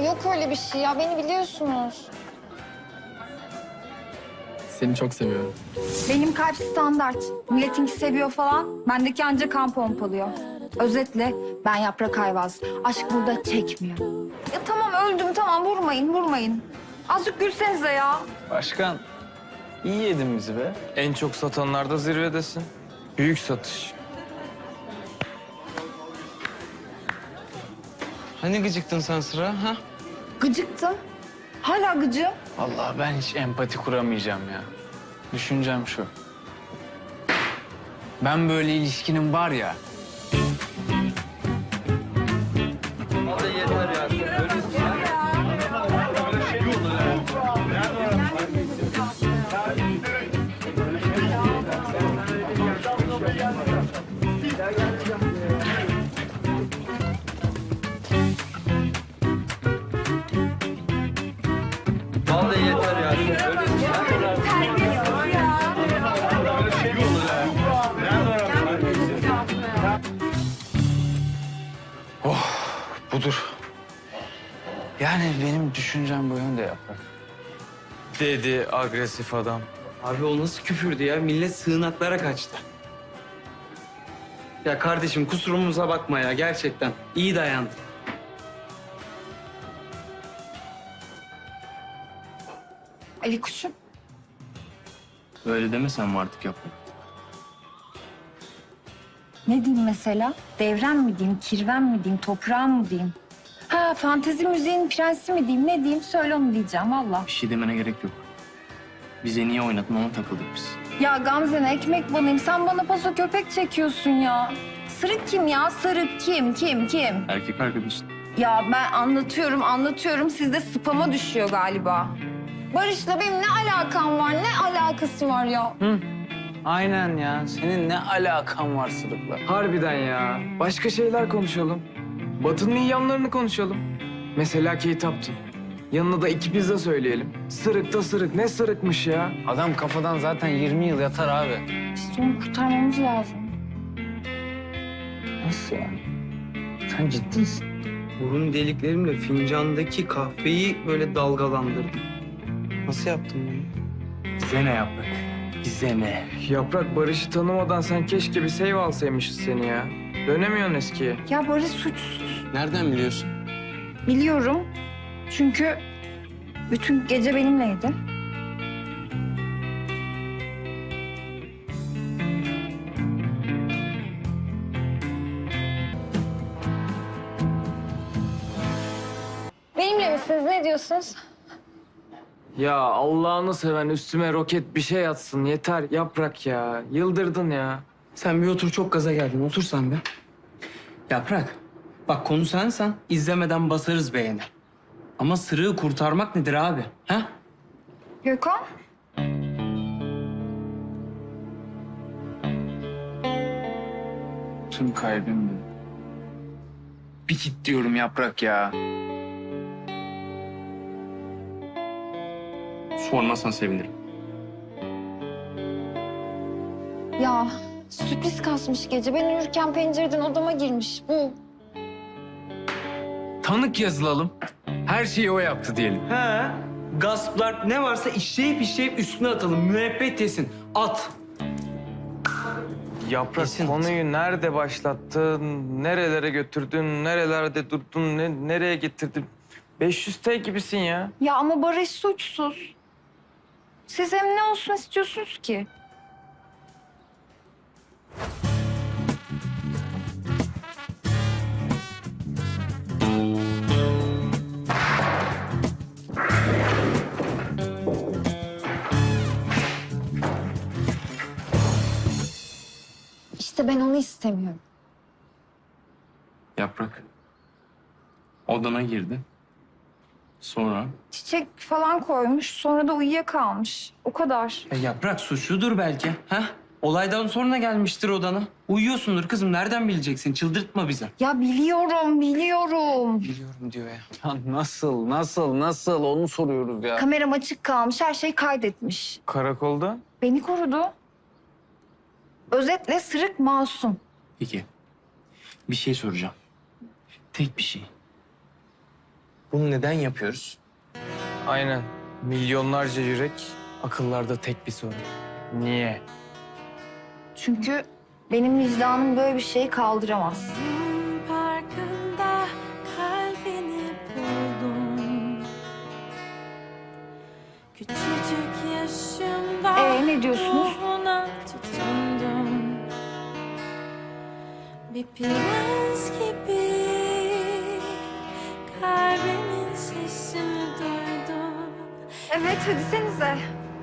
yok öyle bir şey ya. Beni biliyorsunuz. Seni çok seviyorum. Benim kalp standart. Milletinki seviyor falan. Bendeki ancak kan pompalıyor. Özetle ben Yaprak Ayvaz. Aşk burada çekmiyor. Ya tamam öldüm tamam vurmayın. Azıcık gülsenize ya. Başkan, iyi yedin bizi be. En çok satanlarda zirvedesin. Büyük satış. Hani gıcıktın sen Sıra, ha? Gıcıktım. Hala gıcığım. Vallahi ben hiç empati kuramayacağım ya. Düşüncem şu. Ben böyle ilişkinin var ya... Vallahi yeter ya. Budur. Yani benim düşüncem bu yönde Yaprak. Dedi agresif adam. Abi o nasıl küfürdü ya? Millet sığınaklara kaçtı. Ya kardeşim kusurumuza bakma ya gerçekten. İyi dayandın. Ali kuşum. Öyle demesen mi artık Yaprak? Ne diyeyim mesela? Devrem mi diyeyim, kirven mi diyeyim, toprağım mı diyeyim? Ha, fantezi müziğin prensi mi diyeyim, ne diyeyim? Söyle onu diyeceğim valla. Bir şey demene gerek yok. Bize niye oynadın ona takıldık biz. Ya Gamze'ne ekmek banayım. Sen bana paso köpek çekiyorsun ya. Sırık kim ya? Sırık kim? Erkek arkadaşın. Ya ben anlatıyorum. Sizde spama düşüyor galiba. Barış'la benim ne alakam var? Ne alakası var ya? Aynen ya. Senin ne alakan var Sırık'la? Harbiden ya. Başka şeyler konuşalım. Batı'nın iyi yanlarını konuşalım. Mesela Kate Upton. Yanına da 2 pizza söyleyelim. Sırık da sırık. Ne sırıkmış ya? Adam kafadan zaten 20 yıl yatar abi. İşte onu kurtarmamız lazım. Nasıl yani? Sen ciddi misin? Burun deliklerimle fincandaki kahveyi böyle dalgalandırdım. Nasıl yaptın bunu? Bize ne Yaprak? Bize ne? Yaprak Barış'ı tanımadan sen keşke bir save alsaymışız seni ya. Dönemiyorsun eskiye. Ya Barış suçsuz. Nereden biliyorsun? Biliyorum. Çünkü bütün gece benimleydi. Benimle misiniz? Ne diyorsunuz? Ya Allah'ını seven üstüme roket bir şey atsın. Yeter Yaprak ya. Yıldırdın ya. Sen bir otur, çok gaza geldin. Otur sen bir. Yaprak, bak konu sensen izlemeden basarız beğeni. Ama sırığı kurtarmak nedir abi? Ha? Gökhan? Tüm kalbimle. Bir git diyorum Yaprak ya. Sormazsan sevinirim. Ya sürpriz kasmış gece. Ben uyurken pencereden odama girmiş. Bu. Tanık yazılalım. Her şeyi o yaptı diyelim. He. Gasplar ne varsa işleyip üstüne atalım. Müebbet yesin. At. Yaprak Kesin. konuyu nerede başlattın, nerelere götürdün, nerelerde durdun, nereye getirdin? 500T gibisin ya. Ya ama Barış suçsuz. Siz hem ne olsun istiyorsunuz ki? İşte ben onu istemiyorum. Yaprak. Odana girdi. Sonra Çiçek falan koymuş, sonra da uyuyakalmış. O kadar. Ya Yaprak suçludur belki. Ha? Olaydan sonra gelmiştir odana. Uyuyorsundur kızım. Nereden bileceksin? Çıldırtma bizi. Ya biliyorum. Biliyorum diyor ya. Ya nasıl onu soruyoruz ya. Kameram açık kalmış, her şey kaydetmiş. Karakolda? Beni korudu. Özetle sırık masum. peki. Bir şey soracağım. Tek bir şey. Bunu neden yapıyoruz? Aynen. Milyonlarca yürek, akıllarda tek bir soru. Niye? Çünkü benim vicdanım böyle bir şeyi kaldıramaz. Parkında kalbini buldum. Küçücük yaşımda Ne diyorsunuz? ruhuna tutundum. Bir prens gibi kalbimin sesini duydum. Evet, hadi senize.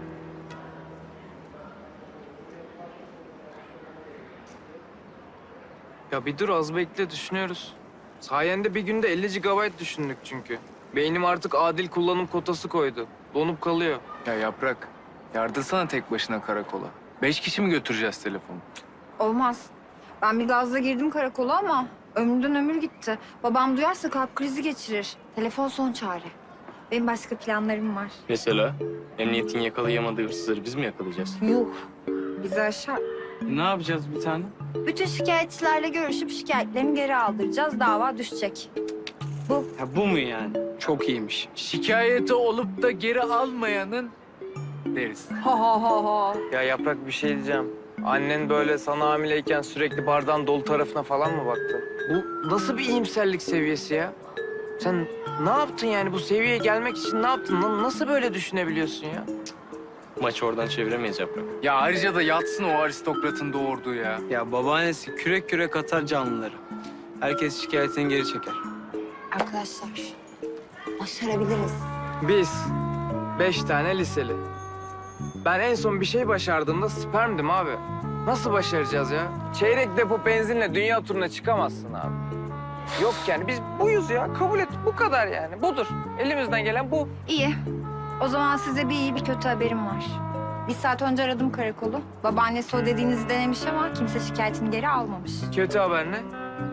Ya bir dur az bekle düşünüyoruz. Sayende bir günde 50 GB düşündük çünkü. Beynim artık adil kullanım kotası koydu. Donup kalıyor. Ya Yaprak, yardırsana tek başına karakola. 5 kişi mi götüreceğiz telefonu? Olmaz. Ben bir gazla girdim karakola ama ömrümden ömür gitti. Babam duyarsa kalp krizi geçirir. Telefon son çare. Benim başka planlarım var. Mesela emniyetin yakalayamadığı hırsızları biz mi yakalayacağız? Yuh. Bizi aşar. Ne yapacağız bir tane? Bütün şikayetçilerle görüşüp şikayetlerini geri aldıracağız. Dava düşecek. Ha, bu mu yani? Çok iyiymiş. Şikayeti olup da geri almayanın deriz. Ha ha ha ha. Ya Yaprak bir şey diyeceğim. Annen böyle sana hamileyken sürekli bardağın dolu tarafına falan mı baktı? Bu nasıl bir iyimserlik seviyesi ya? Sen ne yaptın yani bu seviyeye gelmek için ne yaptın? Nasıl böyle düşünebiliyorsun ya? Maçı oradan çeviremeyiz Yaprak. Ya ayrıca da yatsın o aristokratın doğurduğu ya. Ya babaannesi kürek kürek atar canlıları. Herkes şikayetini geri çeker. Arkadaşlar, başarabiliriz. Biz 5 tane liseli. Ben en son bir şey başardığımda spermdim abi. Nasıl başaracağız ya? Çeyrek depo benzinle dünya turuna çıkamazsın abi. Yok yani biz buyuz ya. Kabul et. Bu kadar yani. Budur. Elimizden gelen bu. İyi. O zaman size bir iyi bir kötü haberim var. Bir saat önce aradım karakolu. Babaannesi o dediğinizi denemiş ama kimse şikayetini geri almamış. Kötü haber ne?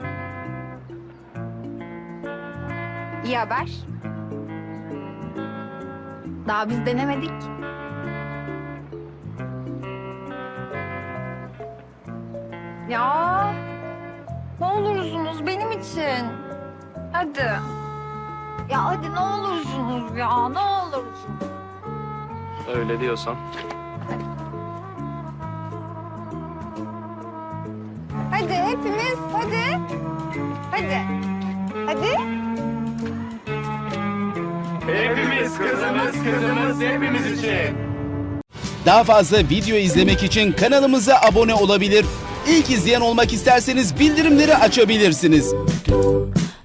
İyi haber. Daha biz denemedik. Ya ne olursunuz benim için. Hadi. Ya hadi ne olursunuz ya ne olursunuz. Öyle diyorsan. Hadi hepimiz hadi. Hadi. Hadi. Hepimiz kızımız hepimiz için. Daha fazla video izlemek için kanalımıza abone olabilir. İlk izleyen olmak isterseniz bildirimleri açabilirsiniz.